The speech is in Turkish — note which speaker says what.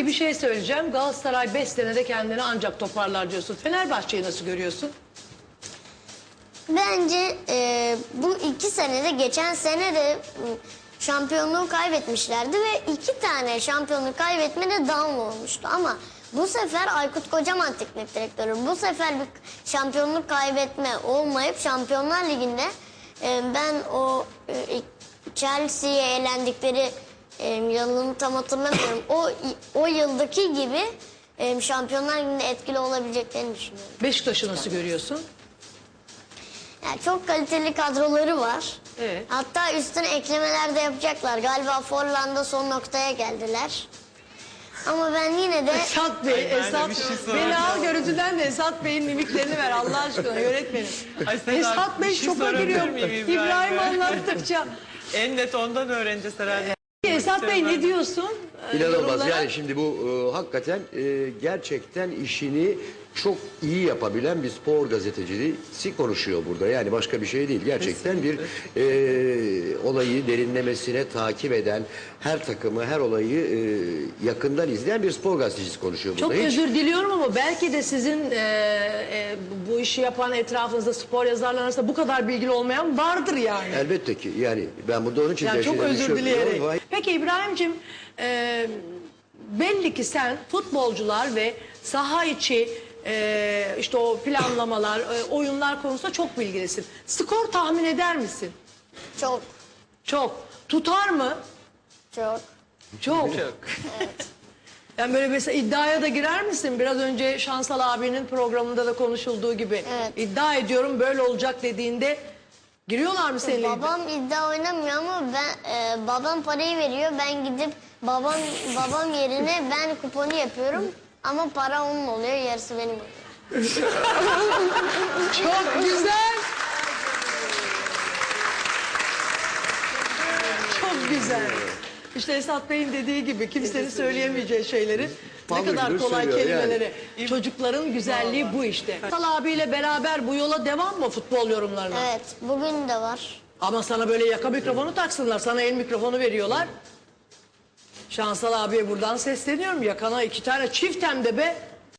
Speaker 1: Peki bir şey söyleyeceğim. Galatasaray 5 senede kendini ancak toparlar diyorsun. Fenerbahçe'yi nasıl görüyorsun?
Speaker 2: Bence bu 2 senede, geçen sene de şampiyonluğu kaybetmişlerdi ve 2 tane şampiyonluğu kaybetmede down olmuştu. Ama bu sefer Aykut Kocaman teknik direktörü. Bu sefer bir şampiyonluk kaybetme olmayıp Şampiyonlar Ligi'nde ben o Chelsea'ye elendikleri yılını tam hatırlamıyorum. O yıldaki gibi Şampiyonlar Ligi'nde etkili olabileceklerini düşünüyorum.
Speaker 1: Beşiktaş'ı nasıl görüyorsun?
Speaker 2: Yani çok kaliteli kadroları var.
Speaker 1: Evet.
Speaker 2: Hatta üstüne eklemeler de yapacaklar. Galiba Forlan'da son noktaya geldiler. Ama ben yine de...
Speaker 1: Esat Bey, Esat,
Speaker 3: bir şey
Speaker 1: beni al
Speaker 3: soracağım.
Speaker 1: görüntüden de Esat Bey'in mimiklerini ver Allah aşkına yönetmenim.
Speaker 3: Ay Sedat,
Speaker 1: Esat Bey
Speaker 3: bir şey
Speaker 1: şoka
Speaker 3: sorabilir
Speaker 1: giriyor.
Speaker 3: miyim
Speaker 1: İbrahim
Speaker 3: İbrahim Bey?
Speaker 1: anlattıkça.
Speaker 3: En net ondan öğreneceğiz herhalde.
Speaker 1: Esat Bey ne diyorsun?
Speaker 4: İnanılmaz.
Speaker 1: Yorumlara?
Speaker 4: Yani şimdi bu hakikaten gerçekten işini çok iyi yapabilen bir spor gazetecisi konuşuyor burada. Yani başka bir şey değil. Gerçekten bir olayı derinlemesine takip eden, her takımı, her olayı yakından izleyen bir spor gazetecisi konuşuyor burada.
Speaker 1: Çok özür diliyorum ama belki de sizin bu işi yapan etrafınızda spor yazarlar arasında bu kadar bilgili olmayan vardır yani.
Speaker 4: Elbette ki. Yani ben burada onun için
Speaker 1: Yani çok
Speaker 4: gerçekten
Speaker 1: özür dileyerek.
Speaker 4: Vay-
Speaker 1: Peki İbrahim'cim belli ki sen futbolcular ve saha içi işte o planlamalar, oyunlar konusunda çok bilgilisin. Skor tahmin eder misin?
Speaker 2: Çok,
Speaker 1: Çok. Tutar mı?
Speaker 2: çok.
Speaker 1: Çok. Yani böyle mesela iddiaya da girer misin? Biraz önce Şansal abinin programında da konuşulduğu gibi.
Speaker 2: Evet.
Speaker 1: İddia ediyorum böyle olacak dediğinde giriyorlar mı seninle?
Speaker 2: Babam iddia oynamıyor ama babam parayı veriyor. Ben gidip babam yerine ben kuponu yapıyorum. Ama para onun oluyor, yarısı benim oluyor.
Speaker 1: Çok güzel. Çok güzel. İşte Esat Bey'in dediği gibi kimsenin söyleyemeyeceği şeyleri ne
Speaker 4: Vallahi
Speaker 1: kadar
Speaker 4: bilir
Speaker 1: kolay
Speaker 4: söylüyor
Speaker 1: kelimeleri. Çocukların güzelliği bu işte. Şansal abiyle beraber bu yola devam mı futbol yorumlarına?
Speaker 2: Evet, bugün de var.
Speaker 1: Ama sana böyle yaka mikrofonu taksınlar. Sana el mikrofonu veriyorlar. Şansal abiye buradan sesleniyorum. Yakana 2 tane çift hem de be.